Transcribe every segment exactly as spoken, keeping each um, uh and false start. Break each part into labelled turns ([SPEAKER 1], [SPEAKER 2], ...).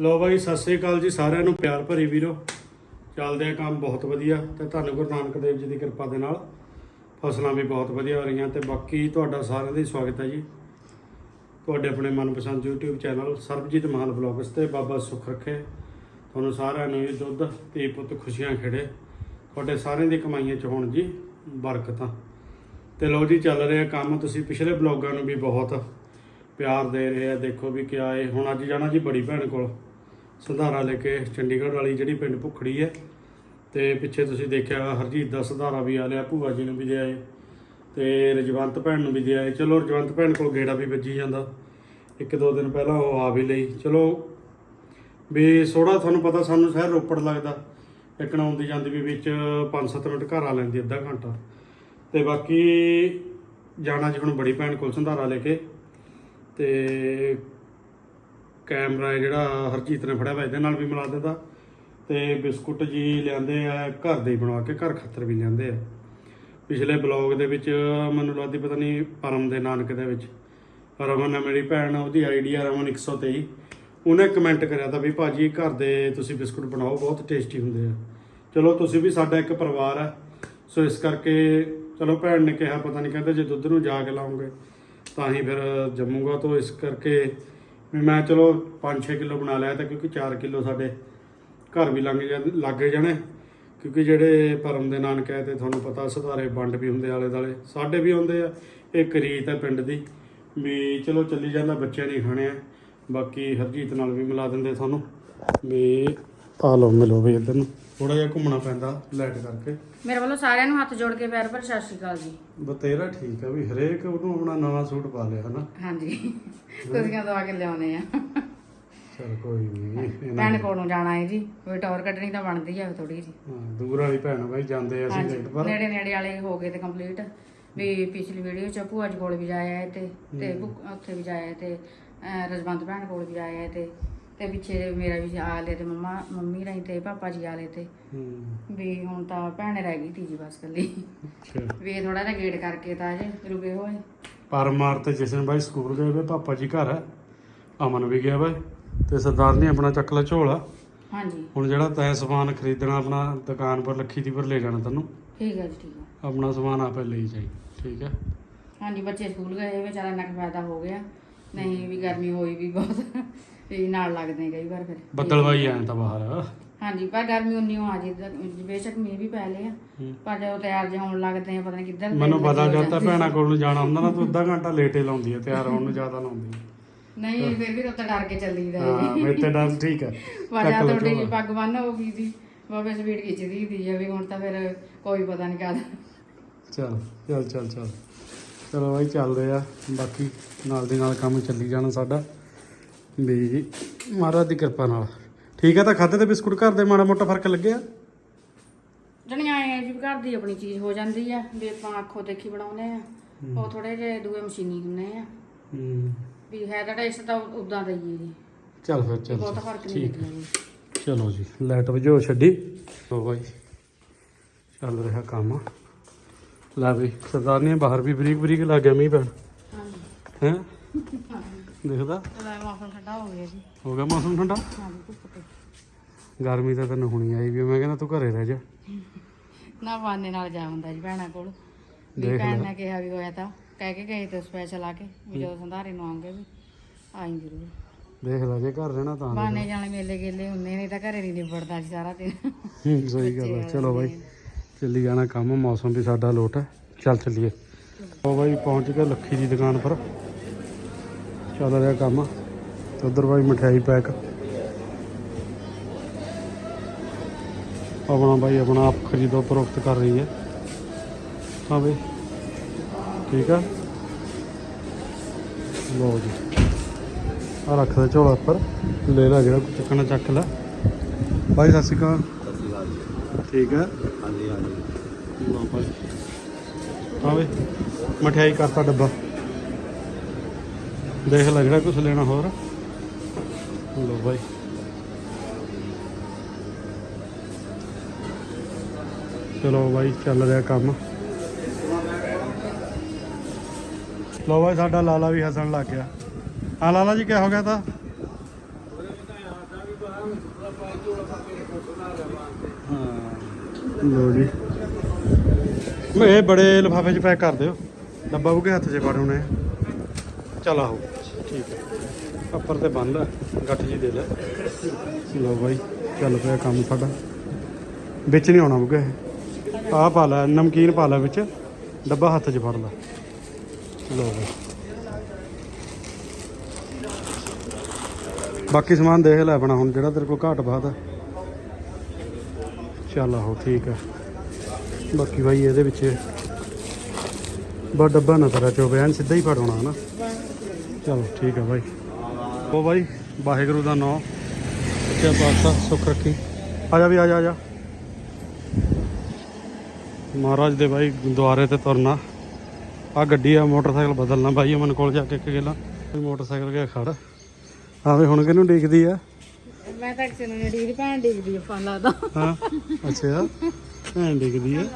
[SPEAKER 1] लो भाई सत श्री अकाल जी सारिਆਂ ਨੂੰ प्यार भरी वीरो ਚੱਲਦੇ ਆ ਕੰਮ बहुत ਵਧੀਆ ਤੇ ਧੰਨ ਗੁਰੂ ਨਾਨਕ ਦੇਵ ਜੀ ਦੀ ਕਿਰਪਾ ਦੇ ਨਾਲ ਫਸਲਾਂ ਵੀ ਬਹੁਤ ਵਧੀਆ ਹੋ ਰਹੀਆਂ ਤੇ ਬਾਕੀ ਤੁਹਾਡਾ ਸਾਰਿਆਂ ਦਾ ਸਵਾਗਤ ਹੈ ਜੀ ਤੁਹਾਡੇ ਆਪਣੇ ਮਨਪਸੰਦ YouTube channel Sarbjit Mann vlogs ਤੇ ਬਾਬਾ ਸੁੱਖ ਰੱਖੇ ਤੁਹਾਨੂੰ ਸਾਰਿਆਂ ਨੂੰ ਦੁੱਧ ਤੇ ਪੁੱਤ ਖੁਸ਼ੀਆਂ ਖੇੜੇ ਤੁਹਾਡੇ ਸਾਰਿਆਂ ਦੀ ਕਮਾਈਆਂ ਚ ਹੋਣ ਜੀ ਬਰਕਤਾਂ ਤੇ ਲੋ ਜੀ ਚੱਲ ਰਿਹਾ ਕੰਮ ਤੁਸੀਂ ਪਿਛਲੇ ਵਲੌਗਾਂ ਨੂੰ ਵੀ ਬਹੁਤ प्यार दे रहे हैं। देखो भी क्या है हुण अज जाना जी बड़ी भैन को संधारा लेके चंडीगढ़ वाली जी पिंड भुखड़ी है तो पिछे तुसीं देखिया हरजीत का संधारा भी आ लिया भूआ जी ने भी दे आए तो रजवंत भैन भी दे आए। चलो रजवंत भैन को गेड़ा भी बजी जाता एक दो दिन पहला वो आ भी लई चलो भी सोड़ा थानू पता सानू शहर रोपड़ लगता एक आउंदी जांदी भी विच पाँच सत्त मिनट घर आ लैंदी अद्धा घंटा तो बाकी जाना जी हुण बड़ी भैन को संधारा लेके तो कैमरा जिहड़ा हरजीत ने फड़िया वा इहदे नाल भी मिला दिता तो बिस्कुट जी लिआंदे आ घर दे बना के घर खातर भी लिआंदे आ। पिछले ब्लॉग दे विच मैनूं लगदी पता नहीं परम दे नानक दे विच रमन है मेरी भैन उहदी आईडी आ रमन एक सौ तेई उन्हें कमेंट करिया था भी भाजी घर दे तुसीं बिस्कुट बनाओ बहुत टेस्टी हुंदे आ। चलो तुसीं भी साडा एक परिवार है सो इस करके चलो भैन ने कहा पता नहीं कहते जे दुੱਧ ਨੂੰ जा के लाओगे ਤਾਂ ਹੀ ਫਿਰ ਜੰਮੂਗਾ तो इस करके भी मैं चलो पाँच छे किलो बना लिया था क्योंकि चार किलो साढ़े घर भी लंघ जा लग जाने क्योंकि ਜਿਹੜੇ परम ਦੇ ਨਾਨਕ ਹੈ ਤੇ ਤੁਹਾਨੂੰ ਪਤਾ ਸੁਧਾਰੇ ਵੰਡ ਵੀ ਹੁੰਦੇ ਆਲੇ ਦਾਲੇ ਸਾਡੇ ਵੀ ਹੁੰਦੇ ਆ ਇੱਕ ਰੀਤ ਹੈ ਪਿੰਡ ਦੀ ਵੀ ਚਲੋ ਚੱਲੀ ਜਾਂਦਾ ਬੱਚਿਆਂ ਨੇ ਖਾਣੇ ਆ ਬਾਕੀ ਹਰਜੀਤ ਨਾਲ ਵੀ ਮਿਲਾ ਦਿੰਦੇ ਤੁਹਾਨੂੰ ਵੀ ਆ ਲਓ ਮਿਲੋ ਵੀ ਇੱਧਰ ਨੂੰ ਥੋੜਾ ਜਿਹਾ ਘੁੰਮਣਾ ਪੈਂਦਾ ਲਾਈਟ ਕਰਕੇ।
[SPEAKER 2] ਮੇਰੇ ਵੱਲੋਂ ਸਾਰਿਆਂ ਨੂੰ ਹੱਥ ਜੋੜ ਕੇ ਪੈਰ ਪਰ ਸਤਿ ਸ਼੍ਰੀ ਅਕਾਲ ਜੀ।
[SPEAKER 1] ਬਤੇਰਾ ਠੀਕ ਆ ਵੀ ਹਰੇਕ ਉਹਨੂੰ ਆਪਣਾ ਨਵਾਂ ਸੂਟ ਪਾ ਲਿਆ ਹਨਾ।
[SPEAKER 2] ਹਾਂਜੀ ਕੁੜੀਆਂ ਦਵਾ ਕੇ ਲਿਆਉਣੇ ਆ।
[SPEAKER 1] ਚਲ ਕੋਈ ਨਹੀਂ
[SPEAKER 2] ਭੈਣ ਕੋਲੋਂ ਜਾਣਾ ਹੈ ਜੀ ਕੋਈ ਟੌਰ ਕੱਢਣੀ ਤਾਂ ਬਣਦੀ ਆ ਥੋੜੀ ਜੀ।
[SPEAKER 1] ਹਾਂ ਦੂਰ ਵਾਲੀ ਭੈਣ ਬਾਈ ਜਾਂਦੇ ਅਸੀਂ ਲੇਟ ਪਰ
[SPEAKER 2] ਨੇੜੇ ਨੇੜੇ ਵਾਲੇ ਹੋ ਗਏ ਤੇ ਕੰਪਲੀਟ ਵੀ ਪਿਛਲੀ ਵੀਡੀਓ ਚ ਭੂਆ ਜੀ ਕੋਲ ਵੀ ਜਾਇਆ ਹੈ ਤੇ ਤੇ ਉੱਥੇ ਵੀ ਜਾਇਆ ਤੇ ਰਜਵੰਤ ਭੈਣ ਕੋਲ ਵੀ ਜਾਇਆ ਤੇ ਤੇ ਪਿੱਛੇ ਮੇਰਾ ਵੀ ਆ ਲਏ ਤੇ ਮੰਮਾ ਮੰਮੀ ਰਹੀ ਤੇ ਪਾਪਾ ਜੀ ਆ ਲਏ ਤੇ ਵੀ ਹੁਣ ਤਾਂ ਭੈਣ ਰਹਿ ਗਈ ਤੀ ਜੀ ਬਸ ਕੱਲੀ ਵੀ ਥੋੜਾ ਜਿਹਾ ਗੇਟ ਕਰਕੇ ਤਾਂ ਅਜੇ ਰੁਕੇ ਹੋਏ
[SPEAKER 1] ਪਰ ਮਾਰ ਤੇ ਜਸ਼ਨ ਬਾਈ ਸਕੂਲ ਗਏ ਵੇ ਪਾਪਾ ਜੀ ਘਰ ਹੈ ਅਮਨ ਵੀ ਗਿਆ ਬਾਈ ਤੇ ਸਰਦਾਰ ਨੇ ਆਪਣਾ ਚੱਕ ਲਾ ਝੋਲਾ। ਹਾਂਜੀ ਹੁਣ ਜਿਹੜਾ ਤੈਂ ਸਮਾਨ ਖਰੀਦਣਾ ਆਪਣਾ ਦੁਕਾਨ ਪਰ ਲੱਖੀ ਦੀ ਪਰ ਲੈ ਜਾਣਾ ਤੈਨੂੰ। ਠੀਕ ਹੈ ਜੀ ਠੀਕ ਹੈ ਆਪਣਾ ਸਮਾਨ ਆਪੇ ਲਈ ਜਾਈ ਠੀਕ ਹੈ। ਹਾਂਜੀ ਬੱਚੇ ਸਕੂਲ ਗਏ ਵਿਚਾਰਾ ਇੰਨਾ ਕੁ ਫਾਇਦਾ ਹੋ ਗਿਆ ਨਹੀਂ ਵੀ ਗਰਮੀ ਹੋਈ ਵੀ ਬਹੁਤ ਵੀ ਨਾਲ ਲੱਗਦੇ ਕਈ ਵਾਰ ਫਿਰ ਬੱਦਲਵਾਈ ਆਇਆ ਤਾਂ ਬਾਹਰ। ਹਾਂਜੀ ਪਰ ਗਰਮੀ ਉਨੀ ਹੋ ਆ ਜੀ ਬੇਸ਼ੱਕ ਮੀਂਹ ਵੀ ਪੈ ਲਿਆ ਪਰ ਜਦੋਂ ਤਿਆਰ ਜੇ ਹੋਣ ਲੱਗਦੇ ਆ ਪਤਾ ਨਹੀਂ ਕਿੱਧਰ ਮੈਨੂੰ ਪਤਾ ਜਾਂਦਾ ਭੈਣਾ ਕੋਲ ਨੂੰ ਜਾਣਾ ਹੁੰਦਾ ਨਾ ਤੂੰ ਅੱਧਾ ਘੰਟਾ ਲੇਟੇ ਲਾਉਂਦੀ ਹੈ ਤਿਆਰ ਹੋਣ ਨੂੰ ਜ਼ਿਆਦਾ ਲਾਉਂਦੀ ਨਹੀਂ ਫਿਰ ਵੀ ਉੱਤੇ ਡਰ ਕੇ ਚੱਲੀਦਾ ਹਾਂ ਮੇਰੇ ਤੇ ਡਰ ਠੀਕ ਹੈ ਵਾਜਾ ਤੁਹਾਡੀ ਜੀ ਪੱਗ ਬੰਨ ਹੋ ਗਈ ਸੀ ਬਾਬੇ ਸਪੀਡ ਖਿੱਚਦੀ ਦੀ ਆ ਵੀ ਹੁਣ ਤਾਂ ਫਿਰ ਕੋਈ ਪਤਾ ਨਹੀਂ ਕਦ ਚੱਲ ਚੱਲ ਚੱਲ ਚੱਲ ਚਲੋ ਬਾਈ ਚੱਲਦੇ ਆ ਬਾਕੀ ਨਾਲ ਦੀ ਨਾਲ ਕੰਮ ਚੱਲੀ ਜਾਣਾ ਸਾਡਾ ਵੀ ਮਹਾਰਾਜ ਦੀ ਕਿਰਪਾ ਨਾਲ ਠੀਕ ਹੈ। ਤਾਂ ਖਾਦੇ ਤੇ ਬਿਸਕੁਟ ਘਰ ਦੇ ਮਾੜਾ ਮੋਟਾ ਫਰਕ ਲੱਗਿਆ ਜਣੀਆਂ ਆਏ ਜੀ ਘਰ ਦੀ ਆਪਣੀ ਚੀਜ਼ ਹੋ ਜਾਂਦੀ ਆ ਵੀ ਆਪਾਂ ਅੱਖੋਂ ਦੇਖੀ ਬਣਾਉਂਦੇ ਆ ਉਹ ਥੋੜੇ ਜਿਹੇ ਦੂਏ ਮਸ਼ੀਨੀ ਹੁੰਦੇ ਆ ਵੀ ਹੈ ਤਾਂ ਟੇਸਟ ਤਾਂ ਉਦਾਂ ਦਾ ਹੀ ਹੈ ਜੀ। ਚੱਲ ਫਿਰ ਚੱਲ ਬਹੁਤ ਫਰਕ ਨਹੀਂ ਲੱਗਿਆ। ਚਲੋ ਜੀ ਲਾਈਟ ਵਜੋ ਛੱਡੀ ਲੋ ਬਾਈ ਚੱਲ ਰਿਹਾ ਕੰਮ ਲੈ ਵੀ ਸਰਦਾਰਨੀ ਬਾਹਰ ਵੀ ਬਰੀਕ ਬਰੀਕ ਲੱਗ ਗਿਆ ਮੀਂਹ ਪੈਣ ਹੈ ਦੇਖਦਾ ਮੌਸਮ ਠੰਡਾ ਹੋ ਗਿਆ ਜੀ ਹੋ ਗਿਆ ਮੌਸਮ ਠੰਡਾ ਗਰਮੀ ਤਾਂ ਤੈਨੂੰ ਹੁਣੀ ਆਈ ਵੀ ਮੈਂ ਕਹਿੰਦਾ ਤੂੰ ਘਰੇ ਰਹਿ ਜਾ ਨਾ ਬਾਨੇ ਨਾਲ ਜਾ ਹੁੰਦਾ ਜੀ ਭੈਣਾਂ ਕੋਲ ਵੀ ਭੈਣ ਨੇ ਕਿਹਾ ਵੀ ਹੋਇਆ ਤਾਂ ਕਹਿ ਕੇ ਗਏ ਤੇ ਸਪੈਸ਼ਲ ਆ ਕੇ ਵੀ ਜਦੋਂ ਸੰਧਾਰੇ ਨੂੰ ਆਉਂਗੇ ਵੀ ਆਈ ਜ਼ਰੂਰ ਦੇਖ ਲੈ ਜੇ ਘਰ ਰਹਿਣਾ ਤਾਂ ਬਾਨੇ ਜਾਣੇ ਮੇਲੇ ਗੇਲੇ ਹੁੰਦੇ ਨੇ ਤਾਂ ਘਰੇ ਨਹੀਂ ਨਿਬੜਦਾ ਜੀ ਸਾਰਾ ਦਿਨ ਸਹੀ ਗੱਲ ਹੈ। ਚਲੋ ਬਾਈ ਚੱਲੀ ਜਾਣਾ ਕੰਮ ਮੌਸਮ ਵੀ ਸਾਡਾ ਲੋਟ ਹੈ ਚੱਲ ਚੱਲੀਏ। ਉਹ ਬਾਈ ਪਹੁੰਚ ਗਏ ਲੱਖੀ ਦੀ ਦੁਕਾਨ ਪਰ ਚੱਲ ਰਿਹਾ ਕੰਮ ਉਧਰ ਬਾਈ ਮਠਿਆਈ ਪੈਕ ਆਪਣਾ ਬਾਈ ਆਪਣਾ ਆਪ ਖਰੀਦੋ ਪ੍ਰੋਕਤ ਕਰ ਰਹੀ ਹੈ ਹਾਂ ਬਾਈ ਠੀਕ ਆ ਲਓ ਜੀ ਆ ਰੱਖ ਦੇ ਝੋਲਾ ਉੱਪਰ ਲੈ ਲੈ ਜਿਹੜਾ ਕੁਝ ਚੱਕਣਾ ਚੱਕ ਲੈ ਬਾਈ ਸਤਿ ਸ਼੍ਰੀ ਅਕਾਲ ਠੀਕ ਹੈ ਹਾਂਜੀ ਹਾਂਜੀ ਲਓ ਬਾਈ ਹਾਂ ਬਾਈ ਮਠਿਆਈ ਕਰਤਾ ਡੱਬਾ ਦੇਖ ਲੈ ਜਿਹੜਾ ਕੁਛ ਲੈਣਾ ਹੋਰ ਲੋ ਬਾਈ ਚਲੋ ਬਾਈ ਚੱਲ ਰਿਹਾ ਕੰਮ ਲੋ ਬਾਈ ਸਾਡਾ ਲਾਲਾ ਵੀ ਹੱਸਣ ਲੱਗ ਗਿਆ। ਹਾਂ ਲਾਲਾ ਜੀ ਕਿਆ ਹੋ ਗਿਆ ਤਾਂ ਹਾਂ ਲੋ ਜੀ ਮੈਂ ਇਹ ਬੜੇ ਲਿਫਾਫੇ 'ਚ ਪੈਕ ਕਰ ਦਿਓ ਡੱਬਾ ਬੁਕੇ ਹੱਥ 'ਚ ਫੜ ਹੋਣੇ ਚੱਲ ਆਹੋ ਠੀਕ ਹੈ ਉੱਪਰ ਤੇ ਬੰਨ ਲੈ ਗੱਠ ਜੀ ਦੇ ਲੈ ਲੋ ਬਾਈ ਚੱਲ ਪਿਆ ਕੰਮ ਸਾਡਾ ਵਿੱਚ ਨਹੀਂ ਆਉਣਾ ਬੁਕੇ ਆਹ ਪਾ ਲੈ ਨਮਕੀਨ ਪਾ ਲੈ ਵਿੱਚ ਡੱਬਾ ਹੱਥ 'ਚ ਫੜ ਲੈ ਲੋ ਬਾਈ ਬਾਕੀ ਸਮਾਨ ਦੇਖ ਲੈ ਆਪਣਾ ਹੁਣ ਜਿਹੜਾ ਤੇਰੇ ਕੋਲ ਘਾਟ ਬਾਤ ਹੈ ਚੱਲ ਆਹੋ ਠੀਕ ਹੈ ਬਾਕੀ ਬਾਈ ਇਹਦੇ ਵਿੱਚ ਬਾ ਡੱਬਾ ਨਾ ਤੇਰਾ ਚੋਵੇ ਐਨ ਸਿੱਧਾ ਹੀ ਫੜਾਉਣਾ ਹੈ ਨਾ ਚਲੋ ਠੀਕ ਹੈ ਬਾਈ ਉਹ ਬਾਈ ਵਾਹਿਗੁਰੂ ਦਾ ਨਾਮ ਸੱਚਾ ਪਾਤਸ਼ਾਹ ਸੁੱਖ ਰੱਖੀ ਆ ਜਾ ਵੀ ਆ ਜਾ ਆ ਜਾ ਮਹਾਰਾਜ ਦੇ ਬਾਈ ਦੁਆਰੇ ਤੇ ਤੁਰਨਾ ਆ ਗੱਡੀ ਆ ਮੋਟਰਸਾਈਕਲ ਬਦਲਣਾ ਬਾਈ ਅਮਨ ਕੋਲ ਜਾ ਕੇ ਇੱਕ ਗੇਲਾ ਮੋਟਰਸਾਈਕਲ ਗਿਆ ਖੜ ਆਵੇ ਹੁਣ ਕਿਹਨੂੰ ਡੀਕਦੀ ਆ
[SPEAKER 2] ਮੈਂ ਤਾਂ ਕਿਸੇ ਨੂੰ ਨਹੀਂ ਡੀਕਦੀ ਭੈਣ ਡੀਕਦੀ ਆ ਫੋਨ ਲੱਗਦਾ
[SPEAKER 1] ਹਾਂ ਅੱਛਾ ਭੈਣ ਡੀਕਦੀ ਆ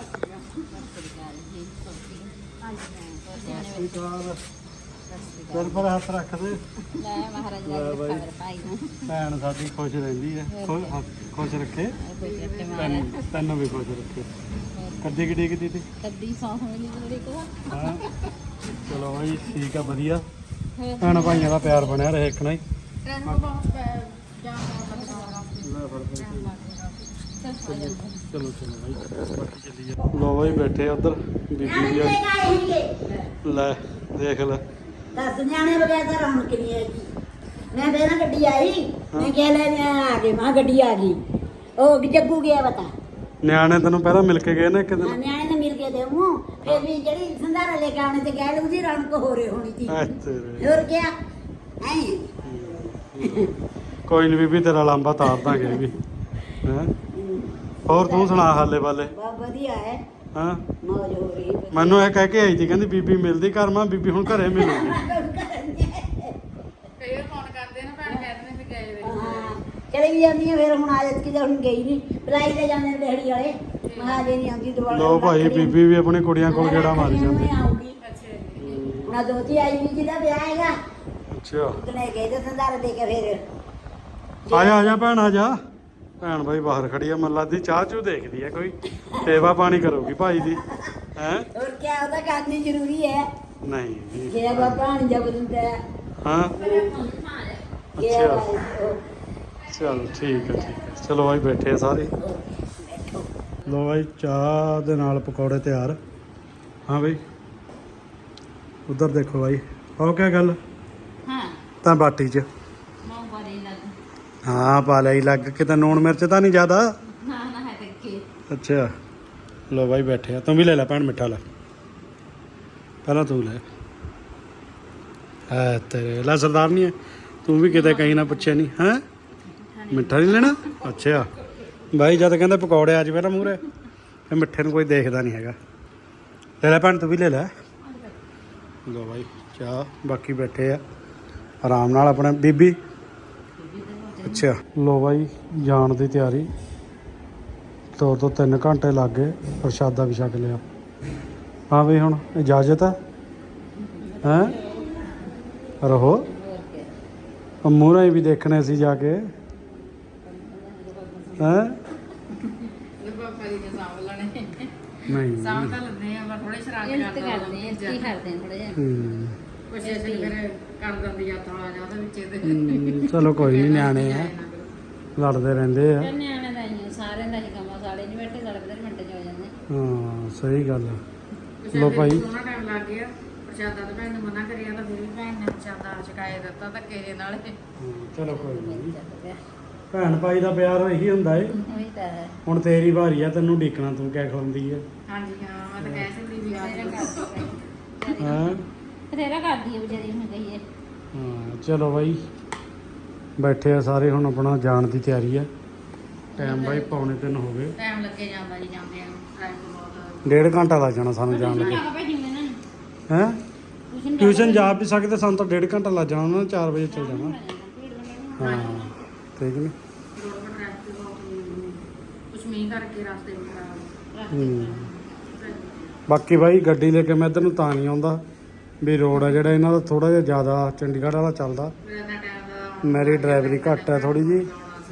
[SPEAKER 1] ਚੱਲ ਪਰ ਹੱਥ ਰੱਖ ਦੇ
[SPEAKER 2] ਲੈ ਮਹਾਰਾਜ
[SPEAKER 1] ਲੈ ਬਾਈ ਭੈਣ ਸਾਡੀ ਖੁਸ਼ ਰਹਿੰਦੀ ਹੈ ਖੁ- ਖੁਸ਼ ਰੱਖੇ ਤੈਨੂੰ ਤੈਨੂੰ ਵੀ ਖੁਸ਼ ਰੱਖੇ ਕੱਦੀ ਕਿੱਡੀ ਕਿੱਡੀ ਤੀ
[SPEAKER 2] ਕੱਦੀ ਸੌਂ ਮਿਲੀ ਜਿਹੜੀ ਕੋ
[SPEAKER 1] ਹਾਂ ਚਲੋ ਬਾਈ ਠੀਕ ਆ ਵਧੀਆ ਭੈਣ ਭਾਈਆਂ ਦਾ ਪਿਆਰ ਬਣਿਆ ਰਹੇ ਇੱਕ ਨਾ ਹੀ
[SPEAKER 2] ਟ੍ਰੈਨ ਕੋ ਬਹੁਤ ਜਾਮ
[SPEAKER 1] ਚਲੋ ਚਲੋ ਬਾਈ ਬਾਕੀ ਚੱਲੀ ਜਾ ਲੋ ਬਾਈ ਬੈਠੇ ਉਧਰ ਬੀਬੀ ਵੀ ਆ ਲੈ ਦੇਖ ਲੈ
[SPEAKER 3] ਦਸ ਨਿਆਣੇ ਬਗੈਰ ਤਾਂ ਰੌਣਕ ਨਹੀਂ ਹੈਗੀ ਮੈਂ ਤੇ ਨਾ ਗੱਡੀ ਆਈ ਮੈਂ ਕਿਹਾ ਲੈ ਨਿਆਣੇ ਆ ਗਏ ਮਾਂ ਗੱਡੀ ਆ ਗਈ ਉਹ ਜੱਗੂ ਗਿਆ ਬਤਾ
[SPEAKER 1] ਨਿਆਣੇ ਤੈਨੂੰ ਪਹਿਲਾਂ ਮਿਲ ਕੇ ਗਏ ਨੇ ਇੱਕ
[SPEAKER 3] ਹਾਂ,
[SPEAKER 1] ਦਿਨ
[SPEAKER 3] ਨਿਆਣੇ ਨੇ ਮਿਲ ਕੇ ਦੇਵੂ ਫਿਰ ਵੀ ਜਿਹੜੀ ਸੰਧਾਰਾ ਲੈ ਕੇ ਆਉਣੇ ਤੇ ਕਹਿ ਲੂ ਦੀ ਰੌਣਕ ਹੋ ਰਹੀ ਹੋਣੀ ਸੀ
[SPEAKER 1] ਅੱਛਾ
[SPEAKER 3] ਹੋਰ ਕਿਆ ਐ
[SPEAKER 1] ਕੋਈ ਨਹੀਂ ਬੀਬੀ ਤੇਰਾ ਲਾਂਬਾ ਤਾਰ ਦਾਂਗੇ ਵੀ ਹੈਂ ਹੋਰ ਤੂੰ ਸੁਣਾ ਹਾਲੇ ਵਾਲੇ
[SPEAKER 3] ਬਹੁਤ ਵਧੀਆ ਹੈ
[SPEAKER 1] ਹਾਂ
[SPEAKER 3] ਮੌਜ ਹੋ ਰਹੀ ਹੈ।
[SPEAKER 1] ਮੈਨੂੰ ਇਹ ਕਹਿ ਕੇ ਆਈ ਸੀ ਕਹਿੰਦੀ ਬੀਬੀ ਮਿਲਦੀ ਘਰ ਮਾਂ ਬੀਬੀ ਹੁਣ ਘਰੇ ਮਿਲੂਗੀ
[SPEAKER 2] ਕਈ ਵਾਰ ਫੋਨ ਕਰਦੇ ਨਾ ਭੈਣ ਕਹਿੰਦੇ ਨੇ ਵੀ ਗਏ ਵੇ
[SPEAKER 3] ਹਾਂ ਚਲੇ ਵੀ ਜਾਂਦੀ ਆ ਫਿਰ ਹੁਣ ਆਜਤ ਕਿਤੇ ਹੁਣ ਗਈ ਨਹੀਂ ਬੁਲਾਈ ਤੇ ਜਾਂਦੇ ਨੇ ਦਿਹਾੜੀ ਵਾਲੇ ਮਹਾਜੇ ਨਹੀਂ ਆਉਂਦੀ ਦੁਬਾਰਾ
[SPEAKER 1] ਲੋ ਭਾਈ ਬੀਬੀ ਵੀ ਆਪਣੀ ਕੁੜੀਆਂ ਕੋਲ ਗੇੜਾ ਮਾਰੀ ਜਾਂਦੀ
[SPEAKER 3] ਆਉਂਗੀ
[SPEAKER 2] ਅੱਛਾ ਜੀ
[SPEAKER 3] ਹੁਣ ਦੋਤੀ ਆਈ ਵੀ ਜਿਹਦਾ ਵਿਆਹ ਹੈਗਾ
[SPEAKER 1] ਅੱਛਾ
[SPEAKER 3] ਉਤਨੇ ਗਏ ਤੇ ਸੰਧਾਰਾ ਦੇ ਕੇ ਫਿਰ
[SPEAKER 1] ਆ ਜਾ ਆ ਜਾ ਭੈਣ ਆ ਜਾ ਭੈਣ ਬਾਈ ਬਾਹਰ ਖੜੀ ਆ ਮੱਲਾ ਦੀ ਚਾਹ ਚੂ ਦੇਖਦੀ ਆ ਕੋਈ ਸੇਵਾ ਪਾਣੀ ਕਰੂਗੀ ਭਾਈ ਦੀ ਹੈ
[SPEAKER 3] ਹੋਰ ਕੀ ਉਹਦਾ ਕਰਨੀ ਜ਼ਰੂਰੀ ਹੈ
[SPEAKER 1] ਨਹੀਂ
[SPEAKER 3] ਜੇ ਬਾਬਾ ਹਣ ਜਬ ਦਿੰਦਾ ਹੈ
[SPEAKER 1] ਹਾਂ
[SPEAKER 3] ਕਿ
[SPEAKER 1] ਅੱਛਾ ਚਲ ਠੀਕ ਹੈ ਠੀਕ ਹੈ ਚਲੋ ਬਾਈ ਬੈਠੇ ਆ ਸਾਰੇ ਲੋ ਬਾਈ ਚਾਹ ਦੇ ਨਾਲ ਪਕੌੜੇ ਤਿਆਰ ਹਾਂ ਬਾਈ ਉਧਰ ਦੇਖੋ ਬਾਈ ਉਹ ਕਿਆ ਗੱਲ
[SPEAKER 2] ਹਾਂ
[SPEAKER 1] ਤਾਂ ਬਾਟੀ 'ਚ
[SPEAKER 2] ਮੋਂ ਬੜੀ ਲੱਗ
[SPEAKER 1] ਹਾਂ ਪਾ ਲਈ ਲੱਗ ਕਿਤੇ ਨੂਣ ਮਿਰਚ ਤਾਂ ਨਹੀਂ ਜ਼ਿਆਦਾ
[SPEAKER 2] ਨਾ ਨਾ ਹੈ ਤੇ ਕੀ
[SPEAKER 1] ਅੱਛਾ ਲੋ ਬਾਈ ਬੈਠੇ ਆ ਤੂੰ ਵੀ ਲੈ ਲੈ ਭੈਣ ਮਿੱਠਾ ਲੈ ਪਹਿਲਾਂ ਤੂੰ ਲੈ ਹੈ ਤੇਰੇ ਲੈ ਸਰਦਾਰ ਨਹੀਂ ਹੈ ਤੂੰ ਵੀ ਕਿਤੇ ਕਹੀਂ ਨਾ ਪੁੱਛਿਆ ਨਹੀਂ ਹੈ ਮਿੱਠਾ ਨਹੀਂ ਲੈਣਾ ਅੱਛਾ ਬਾਈ ਜਦ ਕਹਿੰਦੇ ਪਕੌੜੇ ਆ ਜਾਵੇ ਨਾ ਮੂਹਰੇ ਇਹ ਮਿੱਠੇ ਨੂੰ ਕੋਈ ਦੇਖਦਾ ਨਹੀਂ ਹੈਗਾ ਲੈ ਲੈ ਭੈਣ ਤੂੰ ਵੀ ਲੈ ਲੈ ਲੋ ਬਾਈ ਚਾਹ ਬਾਕੀ ਬੈਠੇ ਆ ਆਰਾਮ ਨਾਲ ਆਪਣੇ ਬੀਬੀ ਅੱਛਾ ਲੋ ਬਾਈ ਜਾਣ ਦੀ ਤਿਆਰੀ ਦੋ ਤੋਂ ਤਿੰਨ ਘੰਟੇ ਲੱਗ ਗਏ ਪ੍ਰਸ਼ਾਦਾ ਵੀ ਛਕ ਲਿਆ ਹਾਂ ਬਈ ਹੁਣ ਇਜਾਜ਼ਤ ਹੈ ਹੈਂ ਰਹੋ ਮੂਹਰੇ ਵੀ ਦੇਖਣੇ ਸੀ ਜਾ ਕੇ ਹੈਂ
[SPEAKER 2] ਪਾਪਾ ਜੀ ਦੇ ਸਾਂਭ ਲੈਣੇ
[SPEAKER 1] ਨਹੀਂ
[SPEAKER 2] ਸਾਂਭ ਤਾਂ ਲੈਂਦੇ ਆ ਪਰ ਥੋੜੇ ਸ਼ਰਾਰਤ
[SPEAKER 4] ਮਿਹਨਤ
[SPEAKER 2] ਕਰਦੇ
[SPEAKER 4] ਕਰਦੇ ਆ ਕੀ ਕਰਦੇ ਆ ਥੋੜਾ ਜਿਹਾ
[SPEAKER 1] ਹੂੰ
[SPEAKER 2] ਕੁਛ ਐਸੇ ਫਿਰ ਕਰ ਦਿੰਦੀ ਯਾਤਰਾ ਆ ਜਾ ਉਹਦੇ ਵਿੱਚ ਇਹਦੇ
[SPEAKER 1] ਹੂੰ, ਚਲੋ ਕੋਈ ਨਹੀਂ ਨਿਆਣੇ ਆ ਲੜਦੇ ਰਹਿੰਦੇ ਆ
[SPEAKER 4] ਚੱਲ ਨਿਆਣੇ ਦਾ ਹੀ ਆ, ਸਾਰਿਆਂ ਦਾ ਹੀ ਕੰਮ ਆ, ਸਾਡੇ ਨਹੀਂ ਬੈਠੇ ਲੜਦੇ ਨੇ ਮਿੰਟ ਚ ਹੋ ਜਾਂਦੇ
[SPEAKER 1] ਹਾਂ ਸਹੀ ਗੱਲ ਆ
[SPEAKER 2] ਕੁਛ
[SPEAKER 1] ਲੋ
[SPEAKER 2] ਐਸੇ
[SPEAKER 1] ਭਾਈ।
[SPEAKER 2] ਸੋਹਣਾ ਟਾਈਮ ਲੱਗ ਗਿਆ ਪ੍ਰਸ਼ਾਦਾ ਤਾਂ ਭੈਣ ਨੇ ਮਨਾ ਕਰਿਆ ਤਾਂ ਫਿਰ ਵੀ ਭੈਣ ਨੇ ਪ੍ਰਸ਼ਾਦਾ ਛਕਾਏ ਦਿੱਤਾ ਧੱਕੇ ਦੇ ਨਾਲ
[SPEAKER 1] ਹਾਂ, ਚਲੋ ਕੋਈ ਨਹੀਂ
[SPEAKER 4] ਚੱਲ ਪਿਆ
[SPEAKER 1] ਭੈਣ ਭਾਈ ਦਾ ਪਿਆਰ ਇਹੀ ਹੁੰਦਾ ਏ
[SPEAKER 4] ਉਹੀ ਤਾਂ ਹੈ
[SPEAKER 1] ਹੁਣ ਤੇਰੀ ਵਾਰੀ ਆ ਤੈਨੂੰ ਢੀਕਣਾ ਤੂੰ ਕਿਆ ਖਵਾਉਂਦੀ ਹੈ
[SPEAKER 2] ਹਾਂਜੀ ਹਾਂ ਮੈਂ ਤਾਂ ਕਹਿ ਸਕਦੀ ਵੀ ਆ
[SPEAKER 4] ਤੇਰਾ
[SPEAKER 2] ਜਾਓ।
[SPEAKER 4] ਕਰਦੀ
[SPEAKER 1] ਹਾਂ
[SPEAKER 4] ਤੇਰਾ ਕਰਦੀ ਹੈ ਵਿਚਾਰੀ ਹੁਣ ਕਹੀਏ
[SPEAKER 1] ਹਾਂ ਚਲੋ ਬਾਈ ਬੈਠੇ ਆ ਸਾਰੇ ਹੁਣ ਆਪਣਾ ਜਾਣ ਦੀ ਤਿਆਰੀ ਆ ਟਾਈਮ ਬਾਈ ਪੌਣੇ ਤਿੰਨ ਹੋ ਗਏ
[SPEAKER 2] ਟਾਈਮ ਲੱਗੇ ਜਾਂਦਾ ਜੀ ਜਾਂਦੇ ਆ ਟ੍ਰੈਫਿਕ ਬਹੁਤ
[SPEAKER 1] ਡੇਢ ਘੰਟਾ ਲੱਗ ਜਾਣਾ ਸਾਨੂੰ ਜਾਣ ਲੱਗੇ
[SPEAKER 4] ਜਾਣਾ ਭਾਈ ਜਿਵੇਂ ਨਾ
[SPEAKER 1] ਹੈਂ
[SPEAKER 4] ਟਿਊਸ਼ਨ
[SPEAKER 1] ਟਿਊਸ਼ਨ ਜਾ ਵੀ ਸਕਦੇ ਸਾਨੂੰ ਤਾਂ ਡੇਢ ਘੰਟਾ ਲੱਗ ਜਾਣਾ ਉਹਨਾਂ ਨੇ ਚਾਰ ਵਜੇ ਚੱਲ ਜਾਣਾ ਹਾਂ ਠੀਕ ਨੇ
[SPEAKER 2] ਰੋਡ 'ਤੇ ਟ੍ਰੈਫਿਕ ਬਹੁਤ ਕੁਛ ਮੀਂਹ ਕਰਕੇ ਰਸਤੇ ਵੀ ਖਰਾਬ
[SPEAKER 1] ਹੂੰ ਬਾਕੀ ਬਾਈ ਗੱਡੀ ਲੈ ਕੇ ਮੈਂ ਇੱਧਰ ਨੂੰ ਤਾਂ ਨਹੀਂ ਆਉਂਦਾ ਵੀ ਰੋਡ ਆ ਜਿਹੜਾ ਇਹਨਾਂ ਦਾ ਥੋੜਾ ਜਿਹਾ ਜ਼ਿਆਦਾ ਚੰਡੀਗੜ੍ਹ ਵਾਲਾ ਚੱਲਦਾ
[SPEAKER 2] ਮੇਰਾ ਤਾਂ ਟਾਈਮ ਦਾ
[SPEAKER 1] ਮੇਰੀ ਡਰਾਈਵਰੀ ਘੱਟ ਹੈ ਥੋੜੀ ਜੀ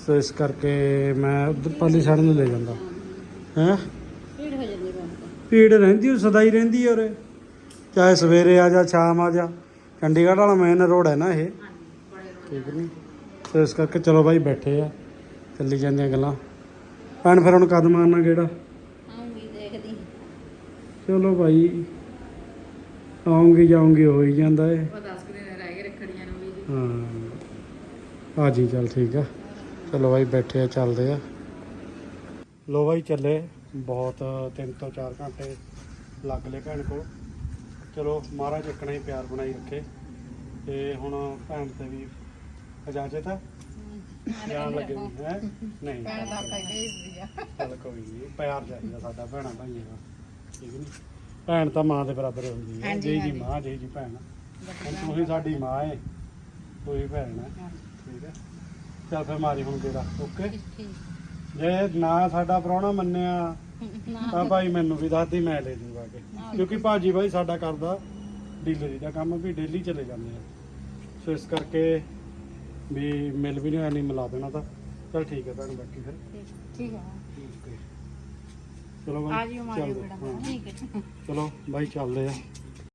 [SPEAKER 1] ਸੋ ਇਸ ਕਰਕੇ ਮੈਂ ਉਧਰ ਪਾਲੀ ਸਾਈਡ ਨੂੰ ਲੈ ਜਾਂਦਾ ਹੈ।
[SPEAKER 4] ਭੀੜ ਹੋ ਜਾਂਦੀ ਬਹੁਤ।
[SPEAKER 1] ਭੀੜ ਰਹਿੰਦੀ ਉਹ ਸਦਾ ਹੀ ਰਹਿੰਦੀ ਔਰ ਚਾਹੇ ਸਵੇਰੇ ਆ ਜਾ ਸ਼ਾਮ ਆ ਜਾ। ਚੰਡੀਗੜ੍ਹ ਵਾਲਾ ਮੇਨ ਰੋਡ ਹੈ ਨਾ ਇਹ, ਠੀਕ ਨਹੀਂ। ਸੋ ਇਸ ਕਰਕੇ ਚਲੋ ਬਾਈ ਬੈਠੇ ਆ, ਚੱਲੀ ਜਾਂਦੀਆਂ ਗੱਲਾਂ। ਭੈਣ ਫਿਰ ਹੁਣ ਕਦ ਮਾਰਨਾ ਕਿਹੜਾ?
[SPEAKER 4] ਆਉਂਗੀ ਦੇਖਦੀ।
[SPEAKER 1] ਚਲੋ ਭਾਈ ਆਉਂਗੀ ਜਾਉਂਗੀ ਹੋ ਹੀ ਜਾਂਦਾ ਏ।
[SPEAKER 2] ਉਹ ਦਸ ਕੁ ਦਿਨ ਰਹਿ ਗਏ ਰੱਖੜੀਆਂ ਨੂੰ ਵੀ ਜੀ।
[SPEAKER 1] ਹਾਂ ਆ ਜੀ ਚੱਲ ਠੀਕ ਆ। ਚਲੋ ਬਾਈ ਬੈਠੇ ਆ, ਚੱਲਦੇ ਆ। ਲੋ ਬਾਈ ਚੱਲੇ, ਬਹੁਤ ਤਿੰਨ ਤੋਂ ਚਾਰ ਘੰਟੇ ਲੱਗ ਲਏ ਭੈਣ ਕੋਲ। ਚਲੋ ਮਹਾਰਾਜ ਇੱਕਣਾ ਹੀ ਪਿਆਰ ਬਣਾਈ ਰੱਖੇ। ਤੇ ਹੁਣ ਭੈਣ ਤੇ ਵੀ ਇਜਾਜ਼ਤ ਆ ਜਾਣ ਲੱਗੇ ਵੀ ਹੈ ਨਹੀਂ।
[SPEAKER 2] ਭੈਣ ਦਾ ਆਪਾਂ ਭੇਜਦੀ ਆ।
[SPEAKER 1] ਚੱਲ ਕੋਈ ਨਹੀਂ, ਪਿਆਰ ਚਾਹੀਦਾ ਸਾਡਾ ਭੈਣਾਂ ਭਾਈਆਂ ਦਾ, ਠੀਕ ਨਹੀਂ। ਭੈਣ ਤਾਂ ਮਾਂ ਦੇ ਬਰਾਬਰ ਹੁੰਦੀ ਹੈ,
[SPEAKER 2] ਹਾਂਜੀ,
[SPEAKER 1] ਜਿਹੀ ਜੀ
[SPEAKER 2] ਹਾਂਜੀ।
[SPEAKER 1] ਮਾਂ ਜਿਹੀ ਜੀ ਭੈਣ। ਹੁਣ ਤੂੰ ਹੀ ਸਾਡੀ ਮਾਂ ਹੈ, ਤੂੰ ਹੀ ਭੈਣ ਹੈ, ਠੀਕ ਹੈ। ਚੱਲ ਫਿਰ ਮਾਰੀ ਹੁਣ ਤੇਰਾ ਓਕੇ। ਜੇ ਨਾ ਸਾਡਾ ਪ੍ਰਾਹੁਣਾ ਮੰਨਿਆ ਤਾਂ ਭਾਈ ਮੈਨੂੰ ਵੀ ਦੱਸਦੀ, ਮੈਂ ਲੈ ਜੂਗਾ ਕਿ ਕਿਉਂਕਿ ਭਾਜੀ ਭਾਈ ਸਾਡਾ ਕਰਦਾ ਡੀਲਰੀ ਦਾ ਕੰਮ, ਵੀ ਡੇਲੀ ਚਲੇ ਜਾਂਦੇ ਆ। ਸੋ ਇਸ ਕਰਕੇ ਵੀ ਮਿਲ ਵੀ ਨਹੀਂ ਹੋਇਆ, ਨਹੀਂ ਮਿਲਾ ਦੇਣਾ ਤਾਂ। ਚਲ ਠੀਕ ਹੈ ਭੈਣ, ਬਾਕੀ ਫਿਰ
[SPEAKER 2] ਠੀਕ ਹੈ।
[SPEAKER 1] ਓਕੇ। ਚਲੋ
[SPEAKER 2] ਆ
[SPEAKER 1] ਬਾਈ
[SPEAKER 2] ਜਿਓ ਮਾਰਿਓ
[SPEAKER 1] ਚੱਲਦੇ
[SPEAKER 2] ਗੇੜਾ।
[SPEAKER 1] ਹਾਂ।
[SPEAKER 4] ਠੀਕ ਹੈ।
[SPEAKER 1] ਚਲੋ ਬਾਈ ਚੱਲਦੇ ਆ।